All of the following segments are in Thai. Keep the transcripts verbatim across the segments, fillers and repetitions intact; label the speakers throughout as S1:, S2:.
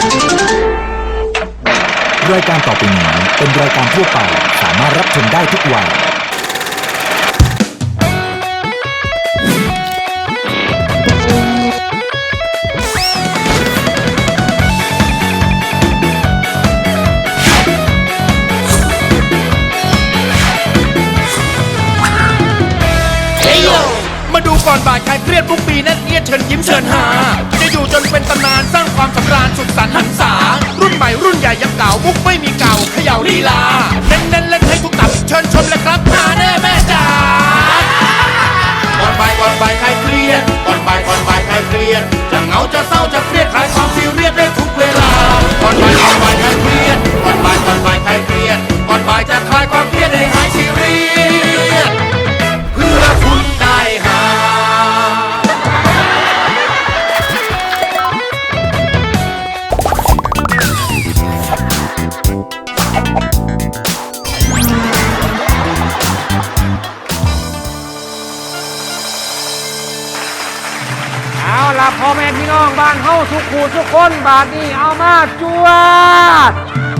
S1: รายการต่อไปนี้เป็นรายการทั่วไปสามารถรับชมได้ทุกวัย
S2: มาดูก่อนบ่ายใครเครียดทุกปีนั่นเอียดเชิญยิ้มเชิญหาจะอยู่จนเป็นตำนานสร้างความสำราญสุดสันต์หันษารุ่นใหม่รุ่นใหญ่ยังเก่ามุกไม่มีเก่าเขย่าลีลาเน้นเน้นเล่นให้ทุกตับเชิญชมเลยครับหาแน่แม่จ๋าก่อนบ่ายก่อนบ่ายใครเครียดก่อนบ่ายก่อนบ่ายใครเครียดจะเหงาจะเศร้าจะเครียดคลายความซีเรียสได้ทุกเวลาก่อนบ่ายก่อนบ่ายใครเครียดก่อนบ่ายก่อนบ่ายใครเครียดก่อนบ่ายจะคลายความเครียดให้หายซีเรียสเพื่อคุณได้หา
S3: เอาล่ะพ่อแม่พี่น้องบ้านเฮาทุกคู่ทุกคนบาดนี้เอามาจวด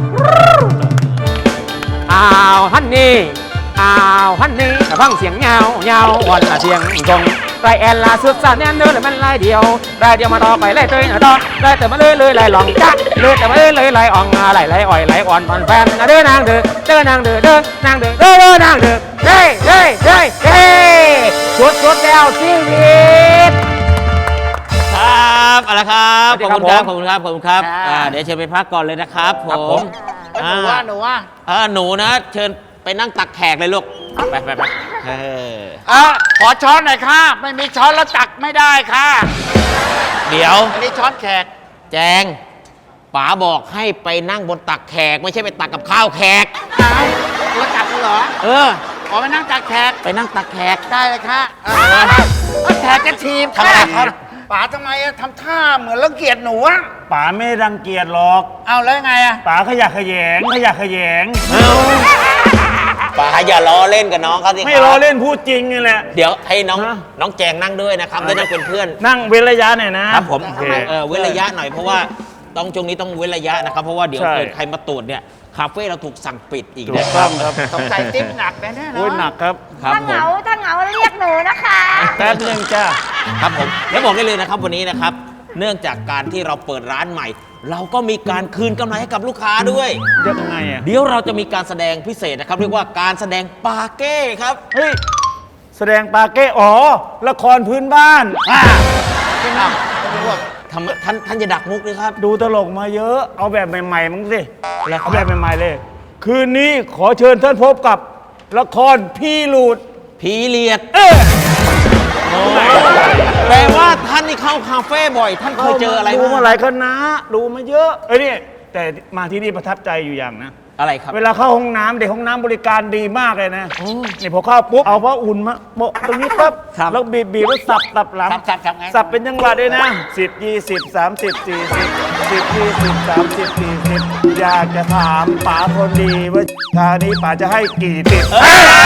S3: อ้าวฮันนี่อ้าวฮันนี่ฟังเสียงเงาเงาวันละเสียงตรงไรแอนลาสุดสานแน่นเดินเลยมันลายเดียวลายเดียวมาต่อไปไล่เตยนะต่อไล่แต่มาเลยเลยไล่หลองจ้าเลยแต่มาเลยเลยไล่อ่องไล่ไล่อ่อยไล่อ่อนตอนแฟนเด้อนางเด้อเด้อนางเด้อเด้อนางเด้อเด้อเด้อนางเด้อเด้เด้เด้เด้สุดสุดแล้วชีวิต
S4: ครับเอาละครับ ขอบคุณครับ
S3: ส
S4: ข
S3: วั
S4: อบ
S3: สดี
S4: คุณ
S3: ค
S4: ค
S3: รั
S4: รั
S3: บบ
S4: ขอบคุณครับ
S3: ค่ะ
S4: อ่าเดี๋ยวเชิญไปพักก่อนเลยนะครับผ
S3: ครับผม ม
S4: อ่า
S5: หนูว่าหนูว่า
S4: อ่าหนูนะ เชิญไปนั่งตักแขกเลยลูก ไปไปไปเออ
S5: อ่ะขอช้อนหน่อยค่ะ ไม่มีช้อนแล้วตักไม่ได้ค่ะ
S4: เดี๋ยว
S5: อันนี้ช้อนแขก
S4: แจงป๋าบอกให้ไปนั่งบนตักแขก ไม่ใช่ไปตักกับข้าวแขก
S5: อ้าวแล้วตักเหรอ
S4: เออ
S5: ขอไปนั่งตักแขก
S4: ไปนั่งตักแขก
S5: ได้เลยค่ะ
S4: เออ
S5: เอาแขกจะทีม
S4: ทำอะไรครับ
S5: ป๋าทำไมอะทำท่าเหมือนรังเกียจหนูอะ
S6: ป๋าไม่รังเกียจหรอก
S5: เอาแล้วยังไงอะ
S6: ป๋าขยะแขยงขยะแขยง
S4: ป๋าอย่าล้อเล่นกับน้องเขาสิครับ
S6: ไม่ล้อเล่นพูดจริงนี่แหละ
S4: เดี๋ยวให้น้อง
S6: ฮะ
S4: น้องแจงนั่งด้วยนะครับได้นั่งเป็นเพื่อน
S6: นั่งเว้นระยะหน่อยนะครับ
S4: ผม
S6: โอเค
S4: เออเว้นระยะหน่อยเพราะว่าต้องช่วงนี้ต้องเว้นระยะนะครับเพราะว่าเดี๋ยว
S6: ใช่
S4: เกิดใครมาตรวจเนี่ยคาเฟ่เราถูกสั่งปิดอีก
S6: ถู
S4: นะ
S6: ก
S4: ค
S6: ต้
S4: รั
S6: อบ งครับ
S5: สงสัยติ๊บหนักแน่ๆ
S6: โอ้ยหนั
S5: เนาะ
S6: กครับ
S4: ครับ
S7: ถ้า
S4: ผ
S7: เหงาม ถ้าเหงาเรียกหนูนะคะ
S6: แป๊บหนึงจ้า
S4: ครับผมและบอกได้เลยนะครับวันนี้นะครับเนื่องจากการที่เราเปิดร้านใหม่ เราก็มีการคืนกำไรให้กับลูกค้าด้วย
S6: ยังไงอ่ะ
S4: เดี๋ยวเราจะมีการแสดงพิเศษนะครับเรียกว่าการแสดงปาเก้ครับ
S6: เฮ้ยแสดงปาเก้อ๋อละครพื้นบ้าน
S4: อ่าทำท่านท่านจะดักมุกเลยครับ
S6: ดูตลกมาเยอะเอาแบบใหม่ๆมั้งสิเอาแบบใหม่ๆเลย คืนนี้ขอเชิญท่านพบกับละครพี่หลุด
S4: พีเรียด
S6: เอ๊ะ
S4: แปลว่าท่านนี่เข้าคาเฟ่บ่อย ท่านเคยเจออะไร
S6: ดูมา
S4: บ้าง
S6: หลายคณะดูมาเยอะเอ้ยนี่แต่มาที่นี่ประทับใจอยู่อย่างนะ
S4: อะไรครับ
S6: เวลาเข้าห้องน้ำเด็กห้องน้ำบริการดีมากเลยนะนี่พอเข้าปุ๊บเอาผ้าอุ่นมาโปะตรงนี้ปั๊บ
S4: ครับ
S6: แล้วบีบบีบแล้วสับสับหลัง
S5: สับสับสับไง
S6: สับเป็นจังหวะด้วยนะสิบยี่สิบสามสิบสี่สิบสิบยี่สิบสามสิบสี่สิบอยากจะถามป๋าคนดีว่าคราวนี้ป๋าจะให้กี่ติด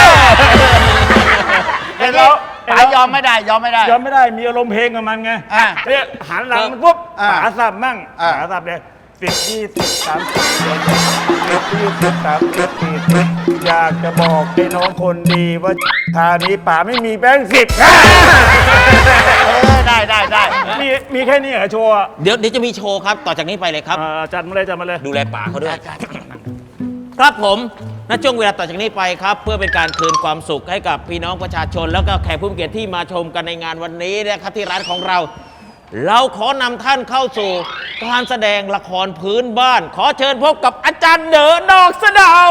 S6: เห็นแล้ว
S5: ป๋ายอมไม่ได้ยอมไม่ได้
S6: ยอมไม่ได้มีอารมณ์เพลงกับมันไง
S5: อ่ะ
S6: เนี่ยหันหลังมันปุ๊บ
S5: อ่ะ
S6: ป๋าสับมั่ง
S5: อ่ะ
S6: ป๋าสับเลยสิบยี่สิบสามสิบสี่สิบสิบยี่สิบสามสิบสี่สิบอยากจะบอกไอ้น้องคนดีว่าคราวนี้ป๋าไม่มีแบงค์สิบ
S5: เออได้ได้ได้
S6: มีมีแค่นี้เหรอโชว์อะ
S4: เดี๋ยวเดี๋ยวจะมีโชว์ครับ ต่อจากนี้ไปเลยครับ
S6: อ่าจัดมาเลยจัดมาเลย
S4: ดูแลป่าเขาด้วย ครับผมณช่วงเวลาต่อจากนี้ไปครับ เพื่อเป็นการคืนความสุขให้กับพี่น้องประชาชน แล้วก็แขกผู้มีเกียรติที่มาชมกันในงานวันนี้นะครับที่ร้านของเรา เราขอนำท่านเข้าสู่การแสดงละครพื้นบ้าน ขอเชิญพบกับอาจารย์เด๋อนอกสะเดา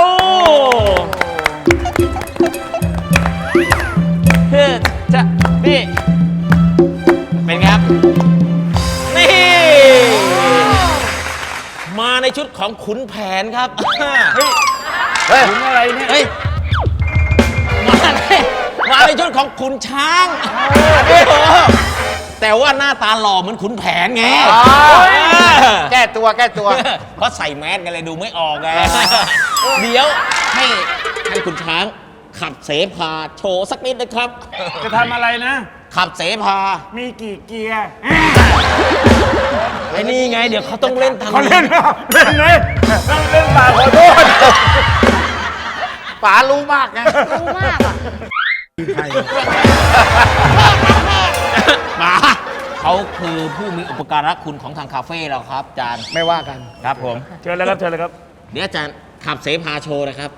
S4: เฮ้ยจะนี่เป็นไงครับ นี่ มาในชุดของขุนแผนครับ
S6: เฮ้ยถึงอะไรเนี่ย
S4: เฮ้ย มาในมาในชุดของขุนช้างโอ้โหแต่ว่าหน้าตาหล่อเหมือนขุนแผนไง
S5: แก้ตัวแก้ตัว
S4: เพราะใส่แมสกันเลยดูไม่ออกไง เดี๋ยวให้ให้ขุนช้างขับเสพาโชว์สักนิดนะครับ
S6: จะทำอะไรนะ
S4: ขับเสพา
S6: มีกี่เกียร์
S4: ไอ้นี่ไง เดี๋ยวเขาต้องเล่นทาง
S6: เขาเล่นเหรอเล่นไงเล่นป่าขอโทษ
S5: ป๋ารู้มากไง
S7: รู้มากอ่ะ
S4: ป๋าเขาคือผู้มีอุปการะคุณของทางคาเฟ่เราครับอาจารย์
S5: ไม่ว่ากัน
S4: ครับผม
S6: เชิญเลยครับเชิญเลยครับ
S4: เดี๋ยวอาจารย์ขับเสพาโชว์นะครับ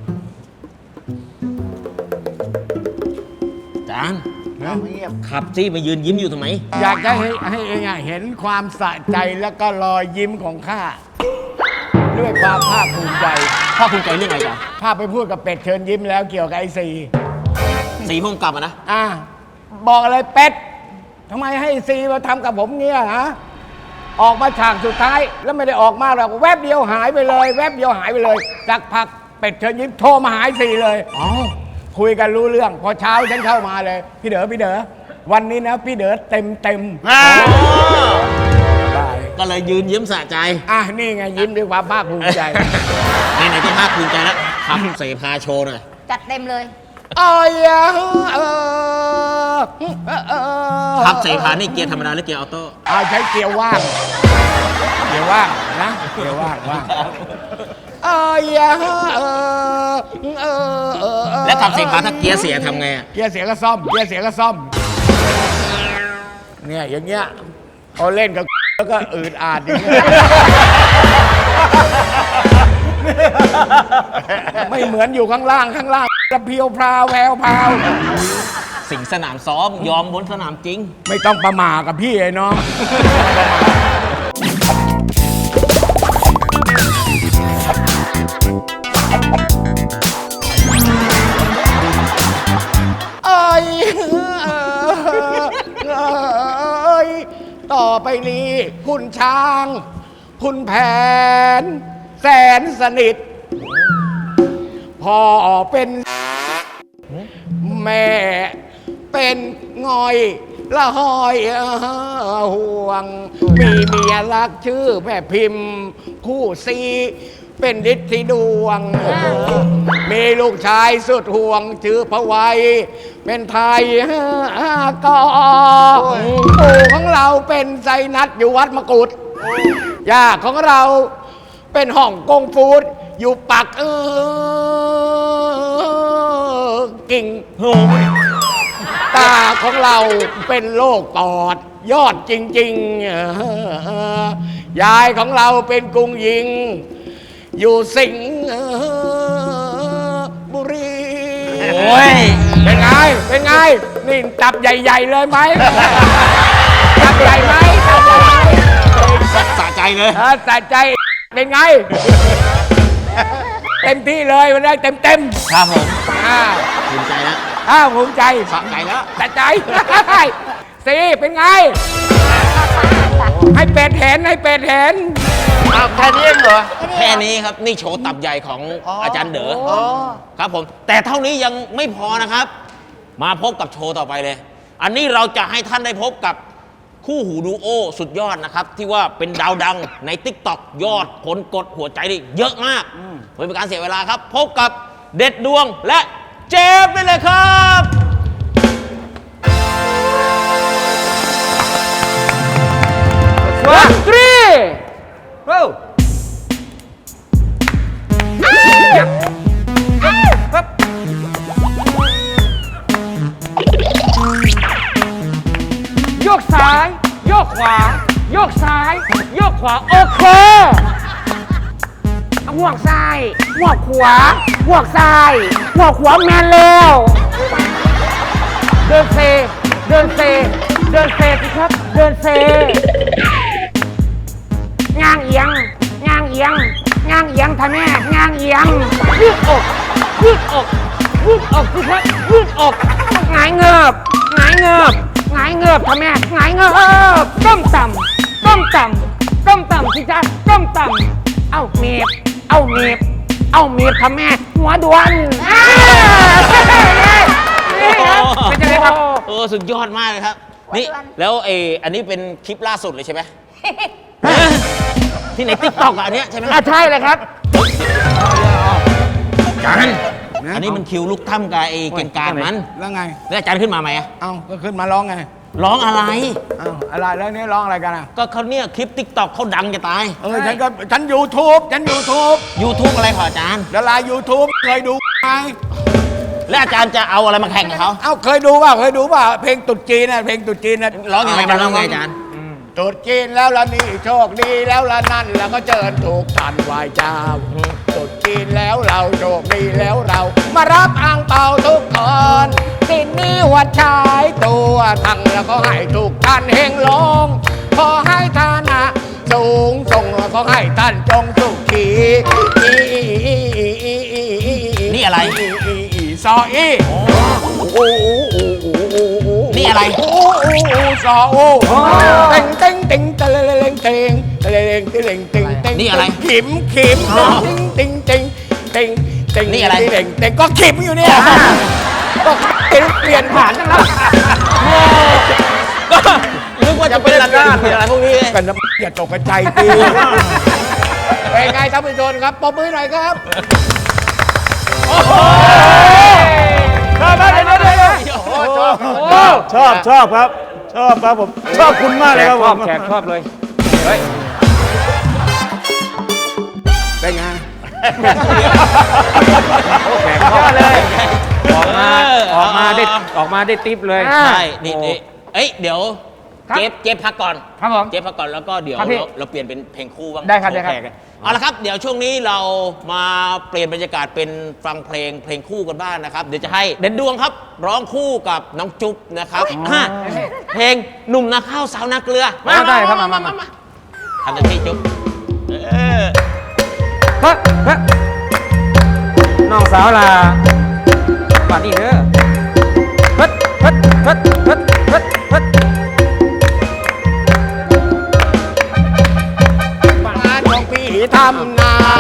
S4: อาจารย์
S5: เงียบ
S4: ขับจี้มายืนยิ้มอยู่ทำไม
S5: อยากจะให้ให้เองอะเห็นความสะใจแล้วก็รอยยิ้มของข้าด้วยความภาคภูมิใจ
S4: พ่อคุณใจเรื่องอะไรจ๊ะ
S5: ข้าไปพูดกับเป็ดเชิญยิ้มแล้วเกี่ยวกับไอ้ซี
S4: สีพุ่มกลับมานะ
S5: อ่ะบอกอะไรเป็ดทำไมให้ซีมาทำกับผมเงี้ยฮะออกมาฉากสุดท้ายแล้วไม่ได้ออกมาหรอกแวบเดียวหายไปเลย แวบเดียวหายไปเลยจากพักเป็ดเชิญยิ้มโทรมาหายซีเลยอ๋อคุยกันรู้เรื่อง พอเช้าฉันเข้ามาเลย พี่เด๋อพี่เด๋อวันนี้นะพี่เด๋อเต็มเต็มได้
S4: ก็เลยยืนยิ้มสะใจ
S5: อ่ะนี่ไงยิ้มด้วยความภาคภูมิใจ
S4: ไหนๆก็ภาคภูมิใจแล้วขับเสพาโชว์หน่อย
S7: จัดเต็มเลย
S5: โอ้ยเออเออเออ
S4: ขับเสพานี่เกียร์ธรรมดาหรือเกียร์ออโต้
S5: เอาใช้เกียร์ว่างเกียร์ว่างนะเกียร์ว่างว่างเอ้ยเออเออเออเออ
S4: แล้วขับเสพาถ้าเกียร์เสียทำไงอะ
S5: เกียร์เสียก็ซ่อมเกียร์เสียก็ซ่อมเนี่ยอย่างเงี้ยเขาเล่นกับแล้วก็อืดอาดอย่างเงี้ยไม่เหมือนอยู่ข้างล่างข้างล่างจะเพียวพราวแววพราว
S4: สิงสนามซ้อมยอมบนสนามจริง
S5: ไม่ต้องประมาทกับพี่ไอ้น้องเอ้ยเอ้ยต่อไปนี้คุณช้าง คุณแผน แสนสนิทพ่อเป็นแม่เป็นงอยละหอยห่วง มีเมียรักชื่อแม่พิมพ์ คู่ซีเป็นฤทธิดวง มีลูกชายสุดห่วง ชื่อพระไวยเป็นไทยกอปู่ของเราเป็นไซนัดอยู่วัดมกุฎย่าของเราเป็นห้องกงฟูดอยู่ปักเออกิ่งตาของเราเป็นโรคปอดยอดจริงๆยายของเราเป็นกรุงยิง อยู่สิงห์บุรี
S4: โอ้ย
S5: เป็นไง เป็นไง นี่ตับใหญ่ ๆ เลยไหมตับใหญ่ไหมตับใหญ่ไหม
S4: สะใจเลย
S5: เออสะใจเป็นไง เต็มที่เลยวันนี้เต็มเต็ม
S4: ครับผม
S5: ๆอ่า
S4: ภูมิใจแล้ว
S5: อ้าวภูมิใจ
S4: สะใจแล้ว
S5: สะใจ สิเป็นไง ให้เป็ดเห็นให้เป็ดเห็น
S6: เอาแค่นี้เองเหรอ
S4: แค่นี้ครับ นี่โชว์ตับใหญ่ของอาจารย์เด๋อครับผม แต่เท่านี้ยังไม่พอนะครับ มาพบกับโชว์ต่อไปเลย อันนี้เราจะให้ท่านได้พบกับคู่หูดูโอสุดยอดนะครับ ที่ว่าเป็นดาวดังใน ติ๊กต็อก ยอดคนกดหัวใจนี่เยอะมากเพื่อเป็นการเสียเวลาครับ พบกับเด็ดดวงและเจฟได้เลยครับ
S3: one three go โยกซ้าย โยกขวา โยกซ้าย โยกขวา โอเคห่วงซ้ายห่วงขวาห่วงซ้ายห่วงขวาแมนเร็วเดินเซ เดินเซ เดินเซสิครับ เดินเซงางเอียงงางเอียงงางเอียงท่านแม่งางเอียงยืดอกยืดอกยืดอกสิครับยืดอกหงายเงือบหงายเงือบหงายเงือบท่านแม่หงายเงือบต้มต่ำต้มต่ำต้มต่ำสิจ๊ะต้มต่ำเอาเมียบเอาเมียบเอาเมียบท่านแม่หัวดวนอ่านี่ครับเป็นยังไงครับ
S4: เออสุดยอดมากเลยครับ นี่ แล้วเอออันนี้เป็นคลิปล่าสุดเลยใช่ไหม ที่ในติ๊กต็อกอันเนี้ยใช่ไหม
S3: อ่ะใช่เลยครับ
S4: กันอันนี้มันคิวลูกถ้ำกับไอ้เก่งการมัน
S5: แล้วไง
S4: แล้วอาจารย์ขึ้นมาไหมอะ
S5: เอ้าก็ขึ้นมาร้องไง
S4: ร้องอะไร
S5: เอ้าอะไรแล้วนี่ร้องอะไรกันอ่ะ
S4: ก็เขาเนี่ยคลิปติ๊กต็อกเขาดังจะตาย
S5: เออฉันก็ฉันยูทูบฉันยูทูบ
S4: YouTube อะไรขออาจารย์
S5: ดารายูทูบเคยดูไหม
S4: แล้วอาจารย์จะเอาอะไรมาแข่งกับเขา
S5: เอ้าเคยดูเปล่าเคยดูเปล่าเพลงตรุ๊จีนน่ะเพลงตรุ๊จีนน่ะ
S4: ร้องยังไงมันร้องไงอาจารย์
S5: ตรุ๊จีนแล้วละนี่โชคดีแล้วละนั่นแล้วก็เจิญถูกทันไหวเจ้าตรุ๊จีนแล้วเราโชคดีแล้วเรา มารับอ่างเปาทุกคนสิ้นนี้หัวชายตัวทั้งแล้วก็ให้ทุกท่านเฮงลงขอให้ฐานะสูงส่งแล้วก็ให้ท่านจงสุขี
S4: นี่อะไร
S5: ซออี
S4: นี่อะไร
S5: โอ้โอ้ซอโอ้เต็งเต็งเต็งตะเลเลงเต็งตะเลเลงตะเลงเต็งเต็ง
S4: นี่อะไร
S5: ขิมขิมเต็งเต็งเต็งเต็ง
S4: นี่อะไร
S5: เต็งเต็งก็ขิมอยู่เนี่ยก็เปลี่ยนผ่านจังแล้ว
S4: ก็นึกว่าจะเป็นระนาดเป็นอะไรพวกนี้
S5: กันนะอย่าตกใจตีเป็นไงท่านผู้ชมครับปรบมือหน่อยครับ
S6: ชอบชอบครับ ชอบครับผม ชอบคุณมากเลยครับ
S3: ช
S6: ผ
S3: อบ
S6: ม
S3: แขกชอบเลยเฮ้ย
S5: เป็นไง
S3: แขกชอบเลยออกมาออกมาได้ออกมาได้ติ๊บเลย
S4: ใช่นี่นี่เอ้ยเดี๋ยว
S3: ครับ
S4: เจฟเจฟพักก่อน
S3: ครับผม
S4: เจฟพักก่อนแล้วก็เดี๋ยว
S3: ครับพี่
S4: เราเราเปลี่ยนเป็นเพลงคู่บ้าง
S3: ได้ครับได้ครับ
S4: โอเเอาละครับเดี๋ยวช่วงนี้เรามาเปลี่ยนบรรยากาศเป็นฟังเพลงเพลงคู่กันบ้างนะครับ เดี๋ยวจะให้เด่นดวงครับ ร้องคู่กับน้องจุ๊บนะครับฮะเพลงหนุ่มนาข้าวสาวนาเกลือ
S3: เอาได้ครับมามามา
S4: ทำหน้าที่จุ๊บเออ
S3: เฮ้ยเฮ้ยน้องสาวลาป่านนี้เด้อเฮ้ยเฮ้ยเฮ้ยเฮ้ยเฮ้ยเฮ้ย
S5: บ้านของพี่ทำนา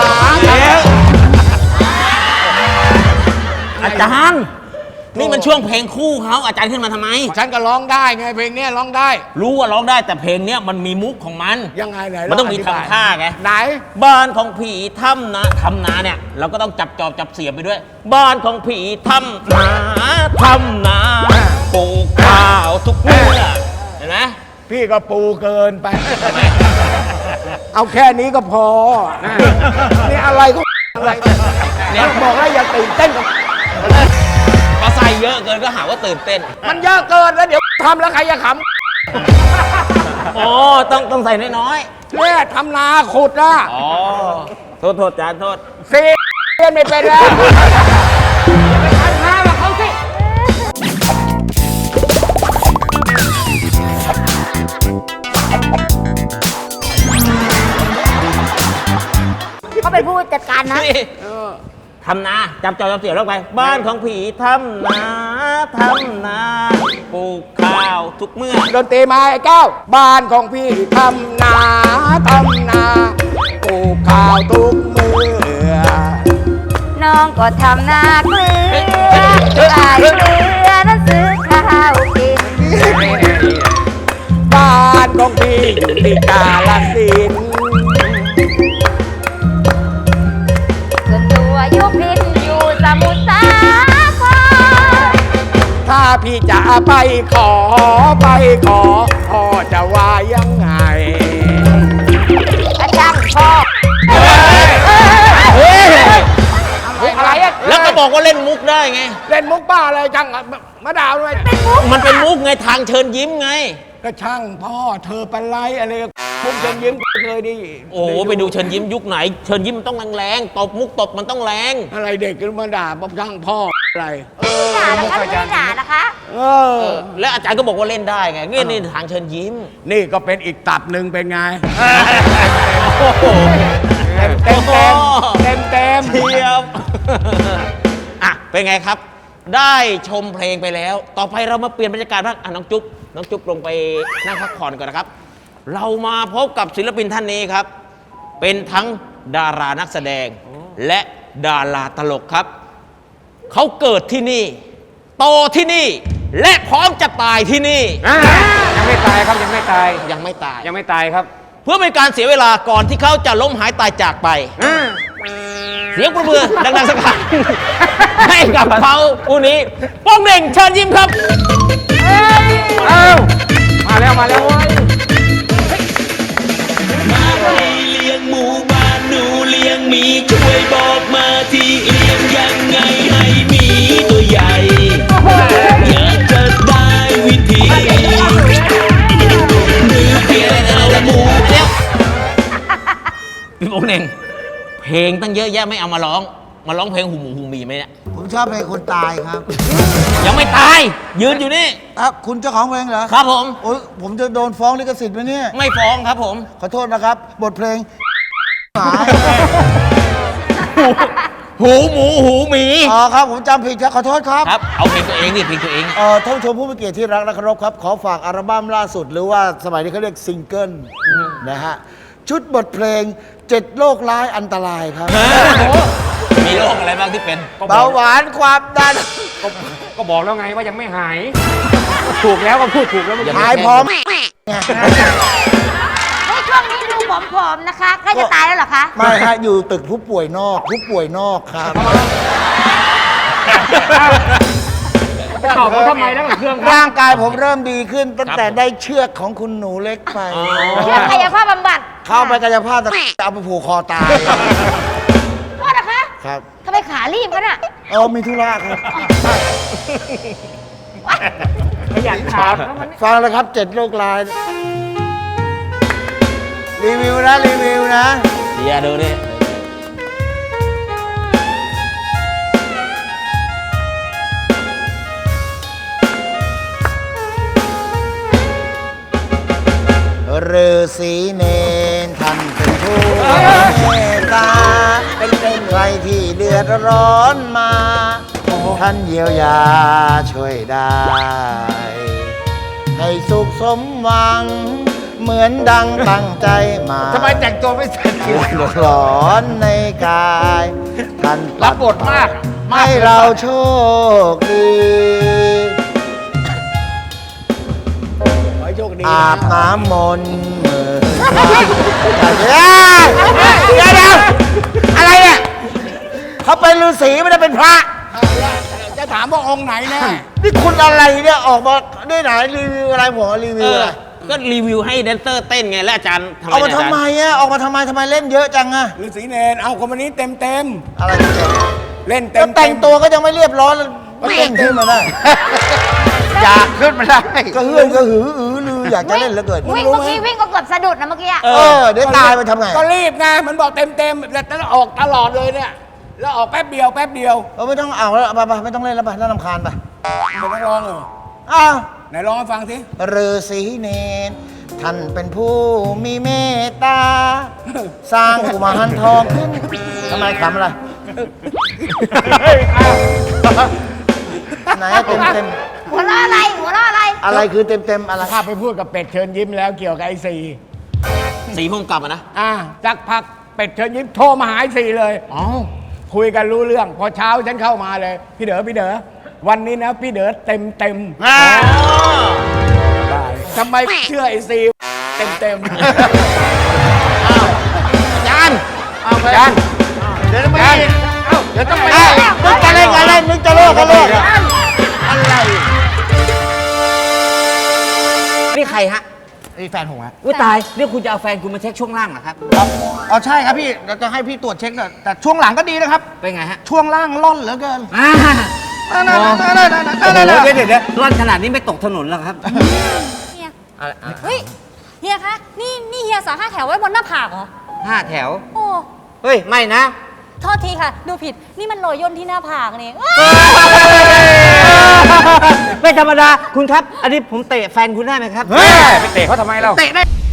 S4: อาจารย์นี่มันช่วงเพลงคู่เขาอาจารย์ขึ้นมาทำไม
S5: ฉันก็ร้องได้ไงเพลงเนี้ยร้องได้
S4: รู้ว่าร้องได้แต่เพลงเนี้ยมันมีมุกของมัน
S5: ยังไงไหน
S4: มันต้องมี
S5: ธิบย
S4: ทำท่าไง
S5: ไหน
S4: บ้านของผีถ้ำนาทำนาเนี่ยเราก็ต้องจับจอบจับเสียบไปด้วย บ้านของผีถ้ำนาทำนาปลูกข้าวทุกเมื่อเห็นไหม
S5: พี่ก็ปูเกินไป เอาแค่นี้ก็พอ นี่อะไรก็อะไรเนี่ยบอกแล้วอย่าตื่นเต้นกับ
S4: พอใส่เยอะเกินก็หาว่าตื่นเต้น
S5: มันเยอะเกินแล้วเดี๋ยวทำแล้วใครจะข
S4: อ๋อต้องต้องใส่น้อย
S5: ำเนี่ยทำนาขุดนะ
S4: ๆอ๋อโทษโทษจานโทษ
S5: ซีเรียนไม่เป็นแล้ว
S7: เขาเป็นผู้จัดการนะ
S4: นี่ทำนาจับจอบจับเสียบลงไป บ้านของผีทำนาทำนาปลูกข้าวทุกเมื่อ
S5: ดนตรีมาไอ้แก้วบ้านของพี่ทำนาทำนาปลูกข้าวทุกมือ
S7: น้องก็ทำนาเกลือขายเกลือนั้นซื้อข้าวกิน
S5: บ้านของพี่อยู่ที่กาฬสินธุ์
S7: ส่วนตัวอยู่พินอยู่สมุทรสาคร
S5: ถ้าพี่จะไปขอไปขอพ่อจะว่ายังไง
S7: อาจารย์พ่อ
S5: อะไรอะ
S4: แล้วก็บอกว่าเล่นมุกได้ไง
S5: เล่นมุกบ้าอะไรจังอะมาด่าด้วย
S4: มันเป็นมุกไงทางเชิญยิ้มไง
S5: ก็ช่างพ่อเธอเป็นไรอะไรมุกเชิญยิ้มเคยดิ
S4: โอ้โหไปดูเชิญยิ้มยุคไหน เชิญยิ้มมันต้องแรงๆตบมุกตบมันต้องแรง
S5: อะไรเด็กก็มาด่าบอกช่างพ่ออะไร
S7: ด่านะคะไม่ได้ด่านะคะ
S5: เออ
S4: และอาจารย์ก็บอกว่าเล่นได้ไงนี่นี่ทางเชิญยิ้ม
S5: นี่ก็เป็นอีกตับหนึ่งเป็นไง
S4: โอ้โห
S5: เต็มเต็มเต็มเต็มเต็ม
S4: เทียบ อ่ะเป็นไงครับ ได้ชมเพลงไปแล้ว ต่อไปเรามาเปลี่ยนบรรยากาศบ้างอ่ะน้องจุ๊บน้องจุ๊บลงไปนั่งพักผ่อนก่อนนะครับ เรามาพบกับศิลปินท่านนี้ครับ เป็นทั้งดารานักแสดง และดาราตลกครับ เขาเกิดที่นี่ โตที่นี่ และพร้อมจะตายที่นี่
S3: อ่ายังไม่ตายครับยังไม่ตาย
S4: ยังไม่ตาย
S3: ยังไม่ตายครับ
S4: เพื่อเป็นการเสียเวลาก่อนที่เขาจะล้มหายตายจากไป
S3: อ่า
S4: เสียงประมือดังๆสักครั้งให้กับเขาผู้นี้โป้งเหน่งเชิญยิ้มครับ
S3: เอ้ามาแล้วมาแล้วเว้ย
S8: มาให้เลี้ยงหมูบ้านหนูเลี้ยงหมีช่วยบอกมาที่เลี้ยงยังไงให้หมีตัวใหญ่อยากจะได้วิธีหรือเพียงเอาหมู
S4: เดี๋ยวพี่โป้งเหน่งเพลงตั้งเยอะแยะไม่เอามาร้อง มาร้องเพลงหูหมูหูหมีไหมเนี่ย
S9: ผมชอบเพลงคนตายครับ
S4: ยังไม่ตาย ยืนอยู่นี่
S9: อ่ะคุณเจ้าของเพลงเหรอ
S4: ครับผม
S9: โอ้ยผมจะโดนฟ้องลิขสิทธิ์ไหมเนี่ย
S4: ไม่ฟ้องครับผม
S9: ขอโทษนะครับ บทเพลงหมา
S4: หูหมูหูหมี
S9: อ๋อครับ ผมจำผิดครับขอโทษครับ
S4: ครับ เอาเพลงตัวเองดิเพลงตัวเอง
S9: เอ่อท่านผู้ชมผู้มีเกียรติที่รักและเคารพครับ ขอฝากอัลบั้มล่าสุด หรือว่าสมัยนี้เขาเรียกซิงเกิลนะฮะ ชุดบทเพลงเจ็ดโรคร้ายอันตรายครับ
S4: มีโรคอะไรบ้างที่เป็น
S9: เบาหวานความดัน
S3: ก็บอกแล้วไงว่ายังไม่หาย ถูกแล้วก็พูดถูกแล้วเมื่อกี้
S9: หายพร้อม
S7: เฮ้ยช่วงนี้ดูผอมๆนะคะใกล้จะตายแล้วเหรอคะ
S9: ไม่ฮะอยู่ตึกผู้ป่วยนอก ผู้ป่วยนอกครับ
S3: จะตอบว่าทำไมแล้วกับเครื่องครับ
S9: ร่างกายผมเริ่มดีขึ้นตั้งแต่ได้เชือกของคุณหนูเล็กไป
S7: เชื่อกายภาพบำบัด
S9: เข้าไปกายภาพแต่เอาไปผูกคอตาย
S7: โทษนะคะ
S9: ครับ
S7: ทำไมขารีบกันอ่ะ
S9: เออมีธุระครับ
S3: ขยันถามแล้วมัน
S9: ฟังเลยครับเจ็ดโรคร้าย รีวิวนะ รีวิวนะ
S4: เดี๋ยวดูดิ
S9: ฤาษีเนนท่านเป็นผู้เมตตาเป็นเป็นใครที่เดือดร้อนมา ท่านเยียวยาช่วยได้ ให้สุขสมหวัง เหมือนดังตั้งใจมา
S5: ทำไมแต่งตัวไม่เสร็จ
S9: เดือดร้อนในกาย ท่าน
S5: รับบทมากมาก
S9: ให้เราโชคดี
S5: ขอให้โชคดี
S9: อาบน้ำมนต์มือเดี๋ยวเดี๋ยวอะไรเนี่ยเขาเป็นฤาษีไม่ได้เป็นพระ
S5: จะถามว่าองค์ไหนแน่
S9: นี่คุณอะไรเนี่ยออกมาได้ไหนรีวิวอะไรผมรี
S4: เอ
S9: วิว
S4: อ
S9: อะไร
S4: ก็รีวิวให้แดนเซอร์เต้นไง แล้วอาจารย์ทำไม
S9: เอามา
S4: เนี่ย
S9: ทำไมอ่ะออกมาทำไมทำไมเล่นเยอะจังอ่ะ
S5: ฤาษีเนนเอาคนวันนี้เต็มเต็ม
S9: อะไรเนี่ย
S5: ๆเล่นเต็
S9: ก็
S5: ม
S9: แต่งตัวก็ยังไม่เรียบร้อยเลยเล่นขึ้นมาได้
S5: อยากขึ้นมาได้
S9: ก็เฮือนก็หืออือลืออยากจะเล่นเหลือเกิน
S7: วิ่งเมื่อกี้วิ่งก็เกือบสะดุดนะเมื่อกี้อะ
S9: เออเดี๋ยวตายไปทำไง
S5: ก็รีบไงมันบอกเต็มเต็มๆแล้วออกตลอดเลยเนี่ยแล้วออกแป๊บเดียวแป๊บเดียว
S9: เออไม่ต้องเอาแล้วไปไปไม่ต้องเล่นแล้วไปน่ารำคาญไป
S5: เป็นนักร้องเหรอ
S9: อ้าว
S5: ไหนร้องให้ฟังสิ
S9: ฤาษีเนนท่านเป็นผู้มีเมตตา สร้างกุมารทองขึ้นทำไมขำอะไรไหนเต็มเต็ม
S7: หัวเราะอะไรหัวเราะอะไร
S9: ๆอะไรคือเต็มเต็มๆอะไร
S5: ข้าไปพูดกับเป็ดเชิญยิ้มแล้วเกี่ยวกับไอ้สี่
S4: สีพุ่มกลับอะนะ
S5: อ่ะสักพักเป็ดเชิญยิ้มโทรมาหาไอ้สี่เลยอ๋อคุยกันรู้เรื่อง พอเช้าฉันเข้ามาเลย พี่เด๋อพี่เด๋อวันนี้นะพี่เด๋อเต็มเต็มๆ
S9: อ่า
S5: ได้ทำไมเชื่อไอ้ซีเต็มเต็ม
S9: จานเอาไปจานเดี๋ยวไม่ได้เดี๋ยวต้องไปนึกจะเล่นอะไรนึกจะโลกกันโลกอะไร
S10: นี่ใครฮะ
S9: นี่แฟนผมฮะ
S10: อุ้ยตาย นี่คุณจะเอาแฟนคุณมาเช็คช่วงล่างเหรอครับ
S9: อ๋อใช่ครับพี่เราจะให้พี่ตรวจเช็คแต่แต่ช่วงหลังก็ดีนะครับ
S10: เป็นไงฮะ
S9: ช่วงล่างล่อนเหลือเกิน
S10: อ่า
S9: นั่นๆๆๆๆๆๆ
S10: โอ้โหเดี๋ยวเดี๋ยวเดี๋ยวร่อนขนาดนี้ไม่ตกถนนหรอกครับ
S7: เฮียเฮ้ยเฮียคะนี่นี่เฮียสาห้าแถวไว้บนหน้าผากเหรอ
S10: ห้าแถว
S7: โอ้
S10: เฮ้ย ไม่นะ
S7: โทษทีค่ะ ดูผิดนี่มันรอยย่นที่หน้าผากนี่
S10: ไม่ธรรมดา คุณครับ อันนี้ผมเตะแฟนคุณได้ไหมครับ
S3: เฮ้ยไปเตะเขาทำไมเรา
S10: เตะได้